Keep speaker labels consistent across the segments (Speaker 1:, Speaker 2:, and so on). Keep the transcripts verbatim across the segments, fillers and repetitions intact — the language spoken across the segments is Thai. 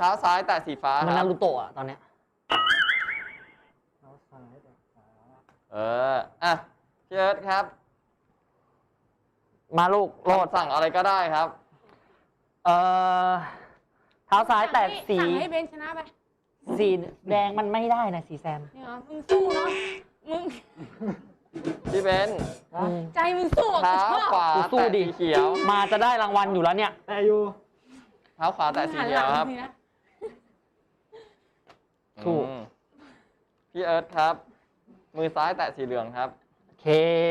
Speaker 1: ท้าซ้ายแตะสีฟ้า
Speaker 2: มันนารูโตะอะตอนเนี้ย
Speaker 3: เท้าซ้ายแตะขวา
Speaker 1: เอออ่ะพี่เอิร์ธครับ
Speaker 2: มาลูกโลด
Speaker 1: สั่งอะไรก็ได้ครับ
Speaker 2: เอ่อเท้าซ้ายแตะสี
Speaker 4: สั่งให้เบนชนะไป
Speaker 2: สีแดงมันไม่ได้นะสีแซม
Speaker 4: เนี่ยมึงสู้เนาะมึง
Speaker 1: พี่เบน
Speaker 4: ใจมึงสู้
Speaker 1: เท้าขวา
Speaker 2: สู้
Speaker 1: แตะ
Speaker 2: ดิ
Speaker 1: สีเขียว
Speaker 2: มาจะได้รางวัลอยู่แล้วเนี่ย
Speaker 3: แต่อยู่
Speaker 1: เท้าขวาแตะสีเขียวครับ
Speaker 2: ถูก
Speaker 1: อืมพี่เอิร์ธครับ มือซ้ายแตะสีเหลืองครับ
Speaker 2: โอเค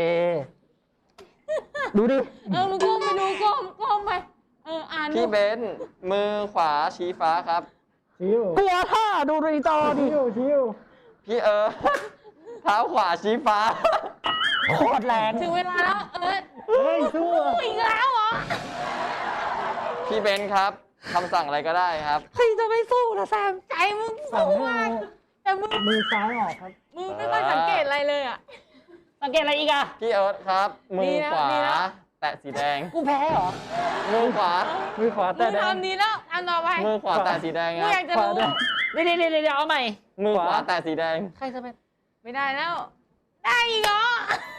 Speaker 2: ดูดิ
Speaker 4: เออมึงก้มไปดูก้มก้มไปเอออ่านดู
Speaker 1: พี่เบนมือขวาชี้ฟ้าครับ
Speaker 3: ชิว
Speaker 2: กลัวท่าดูในจอดิ
Speaker 3: ชิวชิว
Speaker 1: พี่เอิร์ธเท้าขวาชี้ฟ้า
Speaker 2: โคตรแรง
Speaker 4: ถึงเวลาแล้วเออ
Speaker 3: เฮ้ยสู้
Speaker 4: สู้อีกแล้วเหรอ
Speaker 1: พี่เบนครับคำสั่งอะไรก็ได้ครับ
Speaker 4: ใครจะไม่สู้ล่ะแซมใจมึง
Speaker 3: สั่ง
Speaker 4: สู้
Speaker 3: ให้
Speaker 4: มากแต่มึง
Speaker 3: มือซ้ายออกครับ
Speaker 4: มึงไม่ค่อยสังเกตอะไรเลยอ่ะ
Speaker 2: สังเกตอะไรอีกอะ
Speaker 1: พี่เอิร์ธครับ มือขวา
Speaker 4: ดีแล้ว
Speaker 1: แตะสีแดง
Speaker 2: กูแพ้เหรอ
Speaker 1: มือขวา
Speaker 3: มือขวา
Speaker 4: มึ
Speaker 3: แตะ
Speaker 4: ง
Speaker 3: แดง
Speaker 4: ทำดีแล้วอันต่อไป
Speaker 1: มือขวาแตะสีแดง
Speaker 4: กู
Speaker 1: ค
Speaker 4: อยา
Speaker 1: รั
Speaker 4: ก
Speaker 1: บ
Speaker 4: จะรู้
Speaker 3: ขวาด้วย
Speaker 2: เดี๋ยวเดี๋ยวเดี๋ยวเอาใหม่
Speaker 1: มือขวาแตะสีแดง
Speaker 2: ใครจะเป็น
Speaker 4: ไม่ได้แล้ว ได้อีกเหรอ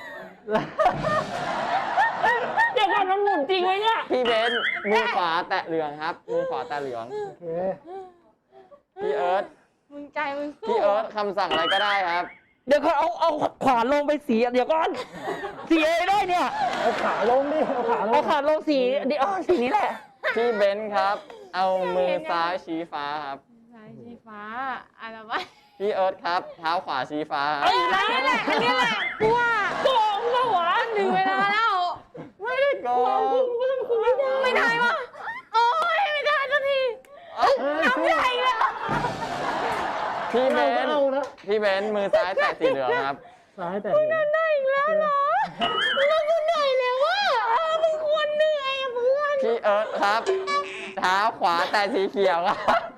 Speaker 2: เดี๋ยวก่อนมันหมุนจริงไหมเนี่ย
Speaker 1: พี่เบนมือขวาแตะเหลืองครับ มือขวาแตะเหลือง
Speaker 3: โอเค
Speaker 1: พี่เอิร์ธ
Speaker 4: มึงใจมึงสู้
Speaker 1: พี่เอิร์ธคำสั่งอะไรก็ได้ครับ
Speaker 2: เดี๋ยวเขาเอาเอาขวานลงไปสีเดี๋ยวก่อนสีเอได้เนี่ย
Speaker 3: เอาขาลงดิเอาขาล
Speaker 2: เอา
Speaker 3: ง
Speaker 2: ขวานลงสีเดี๋ยวอ๋อสีนี้แหละ
Speaker 1: พี่เบนครับ เอามือซ้ายชี้ฟ้าครับ
Speaker 4: สายสีฟ้าอะไรวะ
Speaker 1: พี่เอิร์ธครับ เท้าขวาชี้ฟ้าครับ
Speaker 4: เอออันนี้แหละอันนี้แหละกูว่า
Speaker 2: โกงปะวะ
Speaker 4: ถึงเวลาแล้ว
Speaker 1: ไม่ได้โกง
Speaker 4: ไม่ได้วะโอ้ยไม่ได้สักที
Speaker 3: เฮ้ย
Speaker 4: น้ำ
Speaker 3: สู้
Speaker 4: ใหญ่เลย
Speaker 1: พี่เบ
Speaker 3: เอา
Speaker 1: น
Speaker 3: เอานะ
Speaker 1: พี่เบนมือซ้ายแตะสีเหลืองครับ
Speaker 3: ซ้ายแตะเหลือง
Speaker 4: ได้อีกแล้วเหรอแล้วกูเหนื่อยแล้วว่ะเออมึงควรเหนื่อยอ่ะเพื่อน
Speaker 1: พี่เอิร์ธครับ เท้าขวาแตะสีเขียวครับ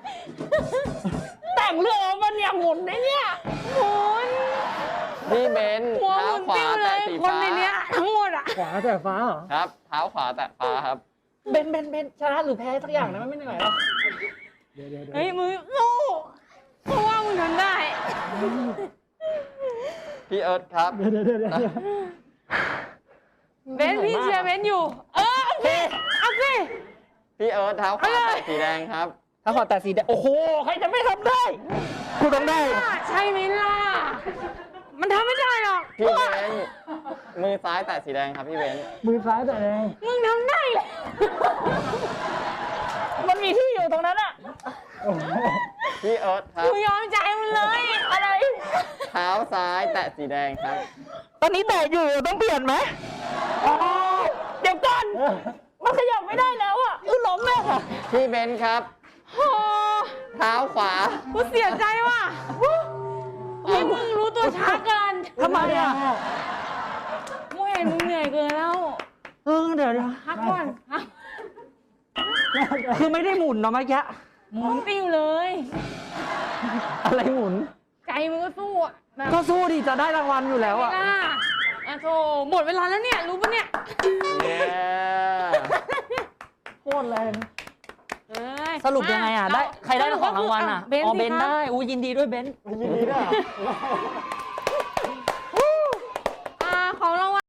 Speaker 2: แต่งเรื่องมันเนี่ยหมุนได้เนี่ย
Speaker 4: หมุน
Speaker 1: พี่เบน
Speaker 4: หัวห
Speaker 1: เท้า
Speaker 4: มุน
Speaker 1: ขวา
Speaker 4: ติ้วเล
Speaker 1: แตะ
Speaker 4: ย
Speaker 1: สี
Speaker 4: คน
Speaker 1: ฟ้า
Speaker 4: ในเนี้ยทั้งหมดอ่ะ
Speaker 3: ขวาแตะฟ้าเหรอ
Speaker 1: ครับ เท้าขวาแตะฟ้าครับ
Speaker 2: เบนเบนเบนชนะหรือแพ้สักอย่างนะไม่เหนื่อยหรอ
Speaker 3: เดี๋ยวเดี๋ยวเดี๋ยว
Speaker 4: เฮ้ยมึงสู้เพราะว่ามึงทำได้
Speaker 1: พี่เอิร์ธครับ
Speaker 3: เดี๋ยวเดี๋ยวเดี๋ยวเดี๋ยว
Speaker 4: เบนพี่เชียร์เบนอยู่ เออเอาสิเอาสิ
Speaker 1: พี่เอิร์ธเท้าขวาแตะสีแดงครับ
Speaker 2: ถ้าขอแต่สีแดงโอ้โหใครจะไม่ทำได้กูต้องได้
Speaker 4: ใช่ไหมล่ะมันทำไม่ได้หรอก
Speaker 1: พี่เบนมือซ้ายแตะสีแดงครับพี่เบน
Speaker 3: มือซ้ายแตะแดง
Speaker 4: มึงทำได้เลย
Speaker 2: มันมีที่อยู่ตรงนั้นอะ
Speaker 3: โอ้โห
Speaker 1: พี่เอิร์ธครับ
Speaker 4: กูยอมใจมึงเลยอะไร
Speaker 1: เท้าซ้ายแตะสีแดงครับ
Speaker 2: ตอนนี้แตะอยู่ต้องเปลี่ยนไหมอ๋อเดี๋ยวก่อนมันขยับไม่ได้แล้วอะอือล้มแม่ค่ะ
Speaker 1: พี่เบนครับ
Speaker 4: โอ้
Speaker 1: เท้าขวา
Speaker 4: กูเสียใจว่ะพี่มึงรู้ตัวช้าเกิน
Speaker 2: ทำไมอะ
Speaker 4: กูเห็นมึงเหนื่อยเกินแล้ว
Speaker 2: เออเดี๋ยวเดี๋ยว
Speaker 4: พักก่อนพัก
Speaker 2: คือไม่ได้หมุนเนาะเมื่อกี้
Speaker 4: หมุนติ้วเลย
Speaker 2: อะไรหมุน
Speaker 4: ใจมึงก็สู้อะแบบ
Speaker 2: ก็สู้ดิจะได้รางวัลอยู่แล้วอะ
Speaker 4: ไม่กล้าอ่ะโธ่หมดเวลาแล้วเนี่ยรู้ปะเนี่ย
Speaker 1: เย้
Speaker 3: โคตรแรง
Speaker 4: เอ้ย
Speaker 2: สรุปยังไงอะได้ใครได้ของรางวัลอะ
Speaker 4: เบน
Speaker 2: อ๋อ
Speaker 4: สิ
Speaker 2: เบน
Speaker 4: ครับ
Speaker 2: ได้อู้ยินดีด้วยเบน
Speaker 3: ยินดีด้วยเหรอ